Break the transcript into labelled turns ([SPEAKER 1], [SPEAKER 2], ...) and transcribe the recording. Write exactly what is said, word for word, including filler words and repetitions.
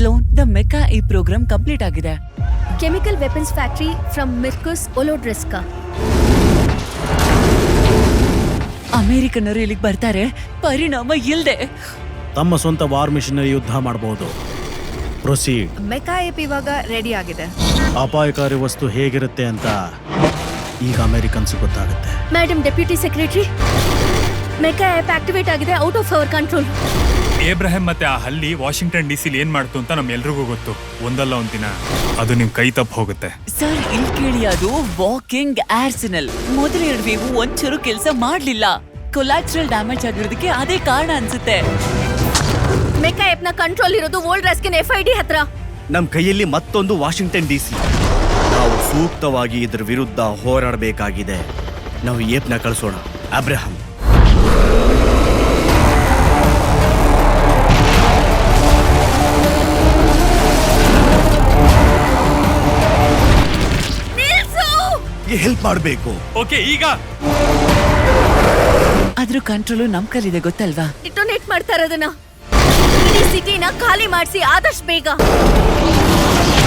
[SPEAKER 1] Sloane, the mecha ಈ program complete ಆಗಿದೆ.
[SPEAKER 2] Chemical weapons factory from ಮಿರ್ಕುಸ್ ಒಲೋಡ್ರೆಸ್ಕಾ.
[SPEAKER 1] ಅಮೆರಿಕನ್ನರು ಇಲ್ಲಿಗೆ ಬರ್ತಾರೆ, ಪರಿಣಾಮ ಇಲ್ದೆ
[SPEAKER 3] ತಮ್ಮ ಸ್ವಂತ ವಾರ್ ಮಿಷನರಿ ಯುದ್ಧ ಮಾಡಬಹುದು. ಪ್ರೊಸೀಡ್.
[SPEAKER 4] ಮೆಕಾ ಏಪ್ ಇವಾಗ ರೆಡಿ ಆಗಿದೆ.
[SPEAKER 3] ಅಪಾಯಕಾರಿ ವಸ್ತು ಹೇಗಿರುತ್ತೆ ಅಂತ ಈಗ ಅಮೆರಿಕನ್ಸ್ ಗೊತ್ತಾಗುತ್ತೆ.
[SPEAKER 2] Madam deputy secretary, mecha ape activate ಆಗಿದೆ, out of our control.
[SPEAKER 5] Abraham ಮತ್ತೆ ಆ ಹಲ್ಲಿ ವಾಷಿಂಗ್ಟನ್ ಡಿ ಸಿಲಿ ಏನ್ ಮಾಡ್ತು ಅಂತ ನಮ್ಮೆಲ್ರಿಗೂ ಗೊತ್ತು. ಒಂದಲ್ಲ ಒಂದಿನ ಅದು ನಿಮ್ ಕೈ ತಪ್ಪು ಹೋಗುತ್ತೆ.
[SPEAKER 1] ಸರ್ ಇಲ್ಲಿ ಕೇಳಿ, ಅದು ವಾಕಿಂಗ್ ಆರ್ಸೆನಲ್. ಮೊದಲ ಎರಡು ವೇವು ಒಂಚೂರು ಕೆಲಸ ಮಾಡ್ಲಿಲ್ಲ. ಕೊಲಾಟ್ರಲ್ ಡ್ಯಾಮೇಜ್ ಆಗಿರೋದಕ್ಕೆ ಅದೇ ಕಾರಣ ಅನ್ಸುತ್ತೆ.
[SPEAKER 2] ಮೆಕಾ ಆಪ್ ನ ಕಂಟ್ರೋಲ್ ಇರೋದು old Ruskin F I D ಹತ್ರ.
[SPEAKER 6] ನಮ್ ಕೈಯಲ್ಲಿ ಮತ್ತೊಂದು ವಾಷಿಂಗ್ಟನ್ ಡಿ ಸಿ. ನಾವು ಸೂಕ್ತವಾಗಿ ಇದರ ವಿರುದ್ಧ ಹೋರಾಡಬೇಕಾಗಿದೆ. ನಾವು ಏಪ್ನ ಕಳಿಸೋಣ. ಅಬ್ರಹಂ, ಹೆಲ್ಪ್ ಮಾಡಬೇಕು.
[SPEAKER 5] ಓಕೆ, ಈಗ
[SPEAKER 1] ಅದ್ರ ಕಂಟ್ರೋಲು ನಮ್ ಕೈಲಿದೆ, ಗೊತ್ತಲ್ವಾ?
[SPEAKER 2] ಡಿಟೋನೇಟ್ ಮಾಡ್ತಾ ಇರೋದನ್ನ. ಇಡೀ ಸಿಟಿನ ಖಾಲಿ ಮಾಡಿಸಿ ಆದಷ್ಟು ಬೇಗ.